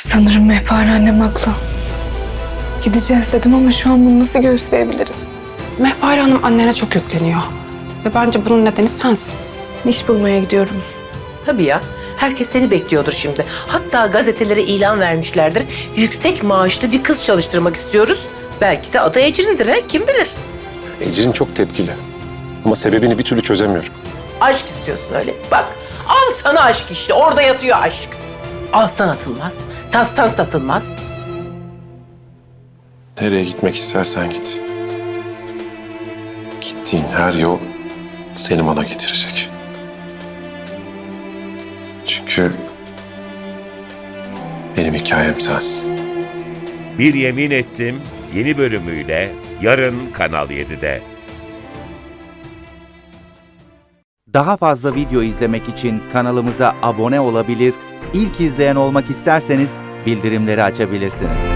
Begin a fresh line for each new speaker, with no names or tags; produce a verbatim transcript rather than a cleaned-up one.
Sanırım Mehpare annem haklı. Gideceğiz dedim ama şu an bunu nasıl göğüsleyebiliriz?
Mehpare Hanım annene çok yükleniyor. Ve bence bunun nedeni sensin.
İş bulmaya gidiyorum.
Tabii ya. Herkes seni bekliyordur şimdi. Hatta gazetelere ilan vermişlerdir. Yüksek maaşlı bir kız çalıştırmak istiyoruz. Belki de adı Ecrin'dir, he? Kim bilir?
Ecrin çok tepkili. Ama sebebini bir türlü çözemiyorum.
Aşk istiyorsun öyle. Bak, al sana aşk işte. Orada yatıyor aşk. Alsan atılmaz, satsan satılmaz.
Nereye gitmek istersen git. Gittiğin her yol seni bana getirecek. Çünkü benim hikayem sensin.
Bir Yemin Ettim yeni bölümüyle yarın Kanal yedide.
Daha fazla video izlemek için kanalımıza abone olabilir, ilk izleyen olmak isterseniz bildirimleri açabilirsiniz.